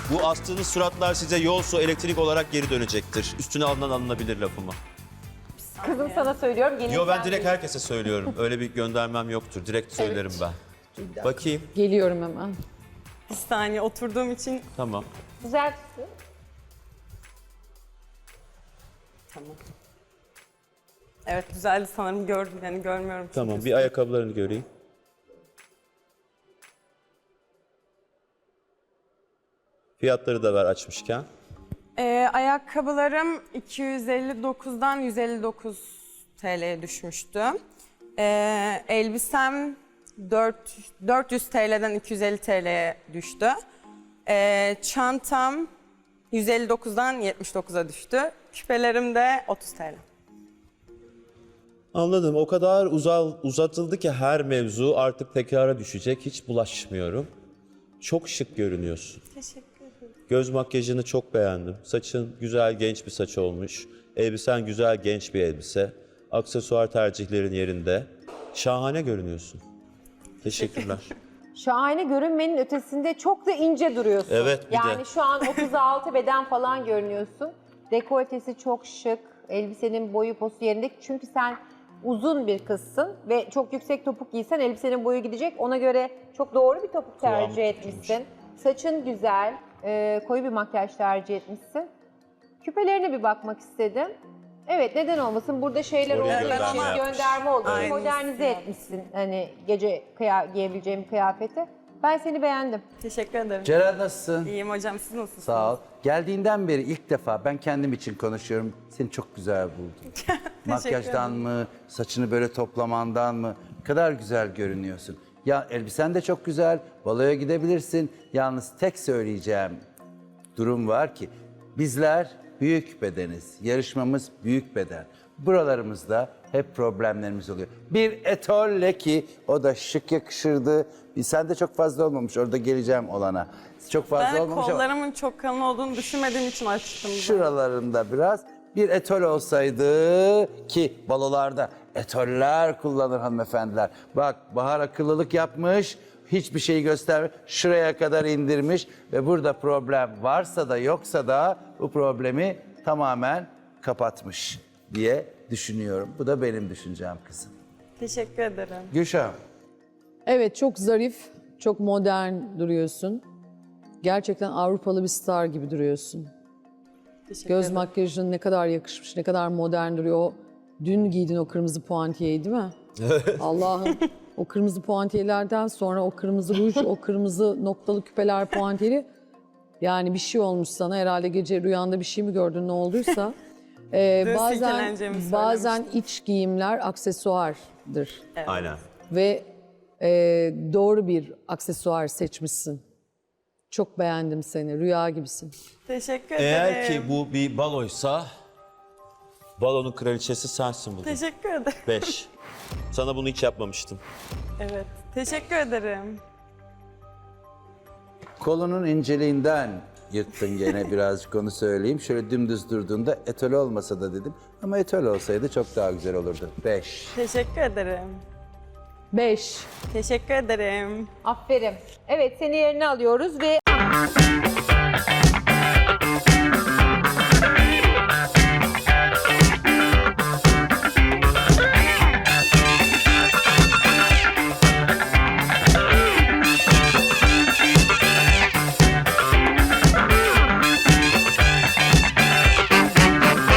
Bu astığınız suratlar size yol, su, elektrik olarak geri dönecektir. Üstüne alınan alınabilir lafımı. Kızım sana söylüyorum. Gelin Yo ben sen direkt de- herkese söylüyorum. Öyle bir göndermem yoktur. Direkt söylerim ben. Bakayım. Geliyorum hemen. Bir saniye oturduğum için Tamam. Güzel tutun. tamam. Evet güzeldi sanırım gördüm yani görmüyorum. çünkü. Tamam. Bir ayakkabılarını göreyim. Fiyatları da ver açmışken. Ayakkabılarım 259'dan 159 TL'ye düşmüştü. Elbisem 400 TL'den 250 TL'ye düştü. Çantam 159'dan 79'a düştü. Küpelerim de 30 TL. Anladım. O kadar uzatıldı ki her mevzu artık tekrara düşecek. Hiç bulaşmıyorum. Çok şık görünüyorsun. Teşekkür ederim. Göz makyajını çok beğendim. Saçın güzel genç bir saç olmuş. Elbisen güzel genç bir elbise. Aksesuar tercihlerin yerinde. Şahane görünüyorsun. Teşekkürler. Şahane görünmenin ötesinde çok da ince duruyorsun. Evet, bir yani de. şu an 36 beden falan görünüyorsun. Dekoltesi çok şık. Elbisenin boyu posu yerinde. Çünkü sen uzun bir kızsın ve çok yüksek topuk giysen elbisenin boyu gidecek. Ona göre çok doğru bir topuk tercih Kıvamı etmişsin. Saçın güzel, koyu bir makyaj tercih etmişsin. Küpelerine bir bakmak istedim. Evet, neden olmasın? Burada şeyler Oraya olduğu gönderme için yapmış. gönderme oldu. Evet. Modernize etmişsin hani gece giyebileceğim kıyafeti. Ben seni beğendim. Teşekkür ederim. Ceren nasılsın? İyiyim hocam siz nasılsınız? Sağ ol. Geldiğinden beri ilk defa ben kendim için konuşuyorum. Seni çok güzel buldum. Makyajdan mı, saçını böyle toplamandan mı? Ne kadar güzel görünüyorsun. Ya elbisen de çok güzel. Baloya gidebilirsin. Yalnız tek söyleyeceğim durum var ki bizler büyük bedeniz. Yarışmamız büyük beden. Buralarımızda hep problemlerimiz oluyor. Bir etolle ki o da şık yakışırdı. Sen de çok fazla olmamış. Orada geleceğim olana. Çok fazla Ben olmamış ama kollarımın çok kalın olduğunu düşünmediğim için açtım. şuralarında biraz bir etol olsaydı ki balolarda etoller kullanır hanımefendiler. Bak Bahar akıllılık yapmış. Hiçbir şeyi göstermiyor. Şuraya kadar indirmiş ve burada problem varsa da yoksa da bu problemi tamamen kapatmış diye düşünüyorum. Bu da benim düşüncem kızım. Teşekkür ederim. Gülşah. Evet, çok zarif, çok modern duruyorsun. Gerçekten Avrupalı bir star gibi duruyorsun. Teşekkür Göz ederim. makyajın ne kadar yakışmış, ne kadar modern duruyor. O dün giydin o kırmızı puantiyeyi değil mi? Allah'ım. O kırmızı puantiyelerden sonra o kırmızı ruj, o kırmızı noktalı küpeler puantiyeli. Yani bir şey olmuş sana. Herhalde gece rüyanda bir şey mi gördün, ne olduysa. silkeleneceğimi bazen iç giyimler aksesuardır. Aynen. Ve doğru bir aksesuar seçmişsin. Çok beğendim seni. Rüya gibisin. Teşekkür ederim. Eğer ki bu bir baloysa balonun kraliçesi sensin bugün. Teşekkür ederim. 5. Sana bunu hiç yapmamıştım. Evet. Teşekkür ederim. Kolunun inceliğinden yırttın gene birazcık onu söyleyeyim. Şöyle dümdüz durduğunda etol olmasa da dedim. Ama etol olsaydı çok daha güzel olurdu. 5. Teşekkür ederim. 5. Teşekkür ederim. Aferin. Evet, seni yerine alıyoruz ve